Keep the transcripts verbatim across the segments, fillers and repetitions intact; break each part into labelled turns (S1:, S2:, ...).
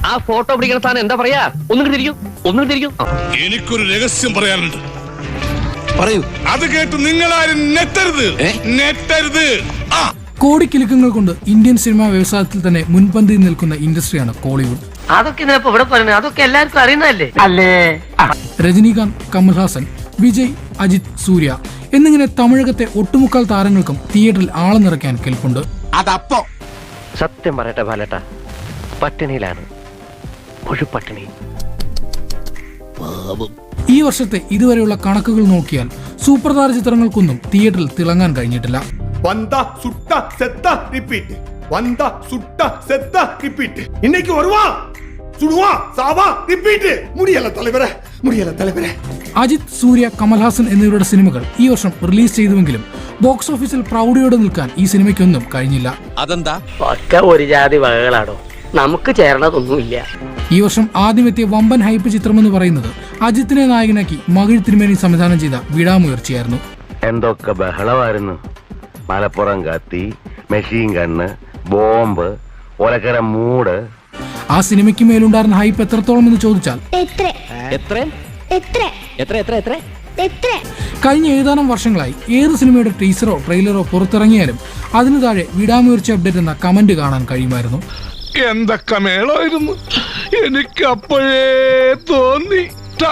S1: ആ ഫോട്ടോ പിടിക്കുന്ന സ്ഥാനം എന്താ പറയാ? ഒന്നും തിരിക്കും, ഒന്നും തിരിക്കും.
S2: എനിക്കൊരു രഹസ്യം പറയാനുണ്ട്.
S3: പറയൂ.
S2: അത് കേട്ട് നിങ്ങളാരും നെറ്റരുത്, നെറ്റരുത്.
S4: കോടിക്കിലുക്കങ്ങൾ കൊണ്ട് ഇന്ത്യൻ സിനിമാ വ്യവസായത്തിൽ തന്നെ മുൻപന്തിയിൽ നിൽക്കുന്ന ഇൻഡസ്ട്രിയാണ് കോളിവുഡ്.
S1: അതൊക്കെ ഇതിനപ്പോ ഇവിടെ പറയുന്നത് അതൊക്കെ എല്ലാവർക്കും അറിയുന്നതല്ലേ അല്ലേ?
S4: രജനീകാന്ത്, കമൽഹാസൻ, വിജയ്, അജിത്, സൂര്യ എന്നിങ്ങനെ തമിഴകത്തെ ഒട്ടുമുക്കാൽ താരങ്ങൾക്കും തിയേറ്ററിൽ ആളെ നിറയ്ക്കാൻ കെൽപ്പുണ്ട്.
S3: അതപ്പോ
S1: സത്യം പറയട്ടെ ബാലേട്ട, പട്ടിണിയിലാണ്, പട്ടിണി.
S4: ഈ വർഷത്തെ ഇതുവരെയുള്ള കണക്കുകൾ നോക്കിയാൽ സൂപ്പർ താര ചിത്രങ്ങൾക്കൊന്നും തിയേറ്ററിൽ തിളങ്ങാൻ കഴിഞ്ഞിട്ടില്ല.
S5: வந்தா சுட்டா செத்தா ரிப்பீட் வந்தா சுட்டா செத்தா ரிப்பீட் இன்னைக்கு வருவான் சுடுவான் சாவா ரிப்பீட் முடியல தலைவரே முடியல தலைவரே.
S4: അജിത്, സൂര്യ, കമൽഹാസൻ എന്നിവരുടെ സിനിമകൾ ഈ വർഷം റിലീസ് ചെയ്തുവെങ്കിലും ബോക്സ് ഓഫീസിൽ പ്രൗഢിയോടെ നിൽക്കാൻ ഈ സിനിമയ്ക്കൊന്നും കഴിഞ്ഞില്ല.
S3: അതെന്താ?
S1: ഒക്കെ ഒരു ജാതി വകകളാണോ, നമുക്ക് ചേർന്നതൊന്നുമില്ല.
S4: ഈ വർഷം ആദ്യമെത്തിയ വമ്പൻ ഹൈപ്പ് ചിത്രമെന്ന് പറയുന്നത് അജിത്തിനെ നായകനാക്കി മകിഴ് തിരുമേനി സംവിധാനം ചെയ്ത വിടാമുയർച്ചയായിരുന്നു.
S6: എന്തൊക്കെ ബഹളമായിരുന്നു. മലപ്പുറം കത്തി, മെഷീൻ ഗണ്ണ്, ബോംബ്, ഒലക്കര മൂട്.
S4: ആ സിനിമയ്ക്ക് മേലുണ്ടായിരുന്ന ഹൈപ്പ് എത്രത്തോളം എന്ന് ചോദിച്ചാൽ കഴിഞ്ഞ ഏതാനും വർഷങ്ങളായി ഏത് സിനിമയുടെ ടീസറോ ട്രെയിലറോ പുറത്തിറങ്ങിയാലും അതിനു താഴെ വിടാമുയർച്ച അപ്ഡേറ്റ് എന്ന കമന്റ് കാണാൻ കഴിയുമായിരുന്നു.
S2: എന്തൊക്കെ മേളായിരുന്നു. എനിക്ക് അപ്പോഴേ തോന്നി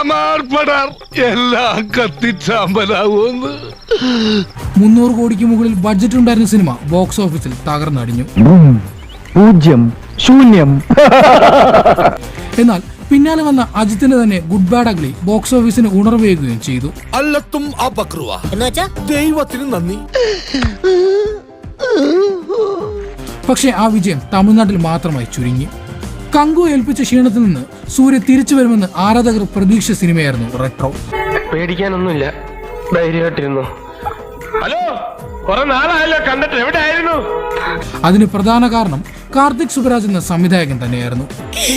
S2: എല്ലാം കത്തിച്ചാമ്പലാവൂന്ന്.
S4: മുന്നൂറ് കോടിക്ക് മുകളിൽ ബഡ്ജറ്റ് ഉണ്ടായിരുന്ന സിനിമ ബോക്സ് ഓഫീസിൽ തകർന്നടിഞ്ഞു.
S7: പൂജ്യം, ശൂന്യം.
S4: എന്നാൽ പിന്നാലെ വന്ന അജിത്തിന്റെ തന്നെ ഗുഡ് ബാഡ് അഗ്ലി ബോക്സ് ഓഫീസിന് ഉണർവേകുകയും ചെയ്തു.
S3: അല്ലത്തും ദൈവത്തിന് നന്ദി.
S4: പക്ഷേ ആ വിജയം തമിഴ്നാട്ടിൽ മാത്രമായി ചുരുങ്ങി. കങ്കു ഏൽപ്പിച്ച ക്ഷീണത്തിൽ നിന്ന് സൂര്യ തിരിച്ചു വരുമെന്ന് ആരാധകർ പ്രതീക്ഷ സിനിമയായിരുന്നു റെട്രോ.
S1: പേടിക്കാനൊന്നുമില്ല, ധൈര്യമായിട്ടിരുന്നു. ഹലോ, കുറെ നാളായല്ലോ കണ്ടിട്ട്, എവിടെ ആയിരുന്നു?
S4: അതിന് പ്രധാന കാരണം കാർത്തിക് സുബരാജ് എന്ന സംവിധായകൻ തന്നെയായിരുന്നു.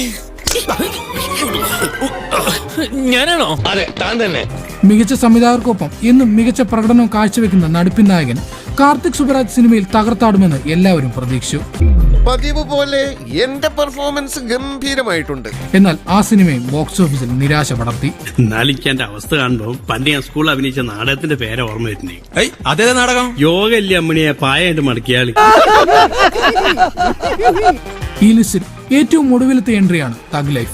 S3: ഞാനാണോ?
S1: അതെ, താൻ തന്നെ.
S4: മികച്ച സംവിധായകർക്കൊപ്പം എന്നും മികച്ച പ്രകടനം കാഴ്ചവെക്കുന്ന നടിപ്പിൻ നായകൻ കാർത്തിക് സുബരാജ് സിനിമയിൽ തകർത്താടുമെന്ന് എല്ലാവരും പ്രതീക്ഷിച്ചു.
S8: പതിവ് പോലെ എന്റെ പെർഫോമൻസ് ഗംഭീരമായിട്ടുണ്ട്.
S4: എന്നാൽ ആ സിനിമയും ബോക്സ് ഓഫീസിൽ നിരാശ പടർത്തി.
S9: നാലിക്കാന്റെ അവസ്ഥ കാണുമ്പോൾ പണ്ട് ഞാൻ സ്കൂളിൽ അഭിനയിച്ച നാടകത്തിന്റെ പേരെ ഓർമ്മ വരുന്നേ.
S3: അതേ നാടകം
S9: യോഗ ഇല്ലേ അമ്മണിയെ പായായിട്ട് മടക്കിയാളി.
S4: ഈ ലിസ്റ്റിൽ ഏറ്റവും ഒടുവിലത്തെ എൻട്രിയാണ് തഗ് ലൈഫ്.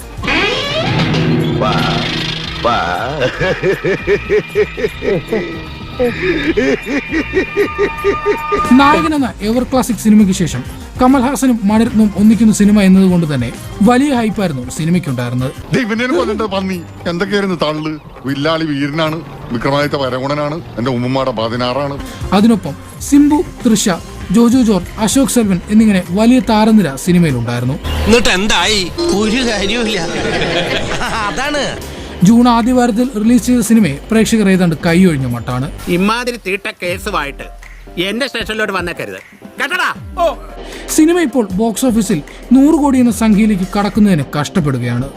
S4: നായകൻ എന്ന എവർ ക്ലാസിക് സിനിമയ്ക്ക് ശേഷം കമൽഹാസനും മണിരത്നവും ഒന്നിക്കുന്ന സിനിമ എന്നതുകൊണ്ട് തന്നെ വലിയ ഹൈപ്പായിരുന്നു സിനിമയ്ക്കുണ്ടായിരുന്നത്.
S2: എന്തൊക്കെയായിരുന്നു തള്ളു? വില്ലാളി വീരനാണ്, വിക്രമാദിത്യ വരഗുണനാണ്, എന്റെ ഉമ്മമാടെ പതിനാറാണ്.
S4: അതിനൊപ്പം സിംബു, തൃഷ, ജോജു ജോർജ്, അശോക് സെൽവൻ എന്നിങ്ങനെ വലിയ താരനിര സിനിമയിലുണ്ടായിരുന്നു.
S3: എന്നിട്ട് എന്തായി? ഒരു കാര്യമില്ല. അതാണ്
S4: ജൂൺ ആദ്യവാരത്തിൽ റിലീസ് ചെയ്ത സിനിമയെ പ്രേക്ഷകർ ഏതാണ്ട് കൈയൊഴിഞ്ഞ മട്ടാണ്.
S9: ഇമാതിരി തീട്ട കേസുമായിട്ട് എന്റെ സ്റ്റേഷനിലോട്ട് വന്നേക്കരുത് കേട്ടടാ.
S4: സിനിമ ഇപ്പോൾ ബോക്സ് ഓഫീസിൽ നൂറ് കോടി എന്ന സംഖ്യയിലേക്ക് കടക്കുന്നതിന് കഷ്ടപ്പെടുകയാണ്.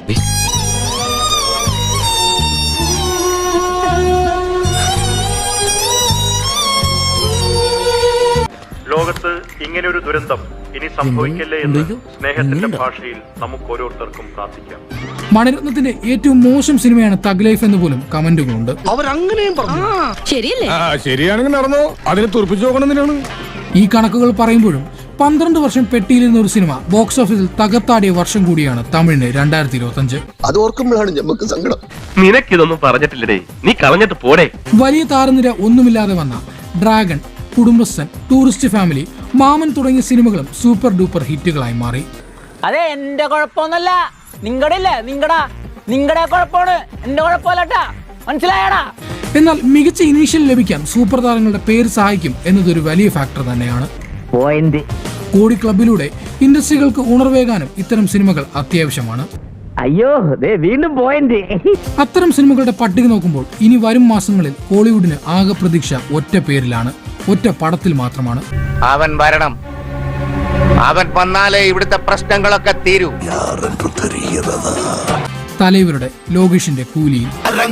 S10: ലോകത്ത് ഇങ്ങനൊരു ദുരന്തം ഇനി സംഭവിക്കല്ലേ എന്ന് സ്നേഹത്തിന്റെ ഭാഷയിൽ നമുക്ക് ഓരോരുത്തർക്കും പ്രാർത്ഥിക്കാം.
S4: മണിരത്നത്തിന്റെ ഏറ്റവും മോശം സിനിമയാണ് തഗ് ലൈഫ് എന്ന് പോലും കമന്റുകളുണ്ട്.
S2: ശരിയാണെങ്കിൽ നടന്നോ, അതിനെ തുറപ്പിച്ചു നോക്കണമെന്നാണ്.
S4: ഈ കണക്കുകൾ പറയുമ്പോഴും പന്ത്രണ്ട് വർഷം പെട്ടിയിലിരുന്ന ഒരു സിനിമ ബോക്സ് ഓഫീസിൽ തകർത്താടിയ വർഷം കൂടിയാണ് തമിഴിന് രണ്ടായിരത്തി ഇരുപത്തി അഞ്ച്.
S8: അത് ഓർക്കുമ്പോഴാണ് നമുക്ക് സങ്കടം.
S1: നിനക്കിതൊന്നും പറഞ്ഞിട്ടില്ലേ, നീ കളഞ്ഞിട്ട് പോടേ.
S4: വലിയ താരനിര ഒന്നുമില്ലാതെ വന്ന ഡ്രാഗൺ, കുടുംബസ്ഥൻ, ടൂറിസ്റ്റ് ഫാമിലി, മാമൻ തുടങ്ങിയ സിനിമകളും സൂപ്പർ ഡൂപ്പർ ഹിറ്റുകളായി മാറി.
S11: അതെ, എന്റെ കുഴപ്പമൊന്നല്ല, നിങ്ങളുടെ ഇല്ലേ നിങ്ങടാ നിങ്ങളുടെ കുഴപ്പമാണ്, എന്റെ കുഴപ്പമല്ലട്ടാ, മനസ്സിലായടാ.
S4: എന്നാൽ മികച്ച ഇനീഷ്യൽ ലഭിക്കാൻ സൂപ്പർ താരങ്ങളുടെ പേര് സഹായിക്കും എന്നതൊരു വലിയ ഫാക്ടർ തന്നെയാണ്. കോടി ക്ലബിലൂടെ ഇൻഡസ്ട്രികൾക്ക് ഉണർവേകാനും ഇത്തരം സിനിമകൾ അത്യാവശ്യമാണ്.
S11: അയ്യോ, വീണ്ടും പോയിന്റ്.
S4: അത്തരം സിനിമകളുടെ പട്ടിക നോക്കുമ്പോൾ ഇനി വരും മാസങ്ങളിൽ കോളിവുഡിന് ആകെ പ്രതീക്ഷ ഒറ്റ പേരിലാണ്, ഒറ്റ പടത്തിൽ മാത്രമാണ്.
S6: അവൻ വരണം, അവൻ വന്നാലേ ഇവിടുത്തെ പ്രശ്നങ്ങളൊക്കെ തീരൂ.
S4: തലൈവരുടെ ലോകേഷിന്റെ കൂലിയിൽ.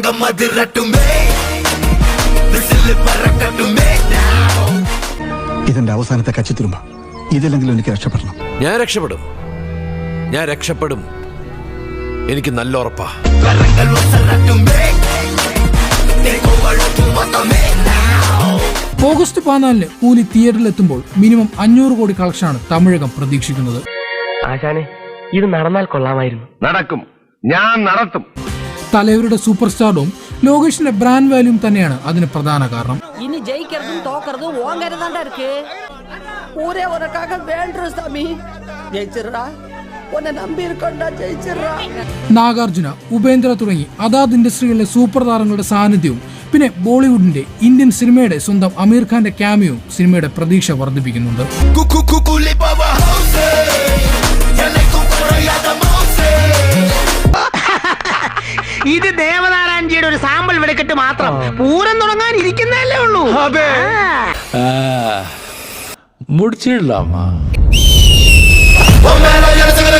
S7: ഇതെന്റെ അവസാനത്തെ കച്ചിത്തുരുമ്പ. ഇതില്ലെങ്കിലും എനിക്ക് രക്ഷപ്പെടണം.
S3: ഞാൻ രക്ഷപ്പെടും, ഞാൻ രക്ഷപ്പെടും, എനിക്ക് നല്ല ഉറപ്പാ.
S4: ഓഗസ്റ്റ് പതിനാലിന് കൂലി തിയേറ്ററിലെത്തുമ്പോൾ മിനിമം അഞ്ഞൂറ് കോടി കളക്ഷനാണ് തമിഴകം പ്രതീക്ഷിക്കുന്നത്.
S1: ആശാനെ ഇത് നടന്നാൽ കൊള്ളാമായിരുന്നു.
S6: നടക്കും, ഞാൻ നടത്തും.
S4: തലവരുടെ സൂപ്പർ സ്റ്റാർഡും ലോകേഷിന്റെ ബ്രാൻഡ് വാല്യൂം തന്നെയാണ് അതിന് പ്രധാന കാരണം.
S11: ഇനി ജയിക്കുന്നതും തോക്കുന്നതും ഓങ്കരുതാണ്ടാ ഇருக்கு. ഒരേ ഒരക്കാക വേണ്ട സ്വാമി. ജയിച്ചിരടാ. ഒന്നെ നമ്പി ഇരിക്കണ്ട, ജയിച്ചിരടാ.
S4: നാഗാർജുന, ഉപേന്ദ്ര തുടങ്ങി അതാത് ഇൻഡസ്ട്രികളിലെ സൂപ്പർ താരങ്ങളുടെ സാന്നിധ്യവും പിന്നെ ബോളിവുഡിന്റെ ഇന്ത്യൻ സിനിമയുടെ സ്വന്തം അമീർ ഖാന്റെ ക്യാമിയോയും സിനിമയുടെ പ്രതീക്ഷ വർദ്ധിപ്പിക്കുന്നുണ്ട്.
S1: ഇത് ദേവനാരായണജിയുടെ ഒരു സാമ്പിൾ വെടിക്കെട്ട് മാത്രം. പൂരം തുടങ്ങാൻ ഇരിക്കുന്നതല്ലേ ഉള്ളൂ.
S3: முடிச்சிடலாமா?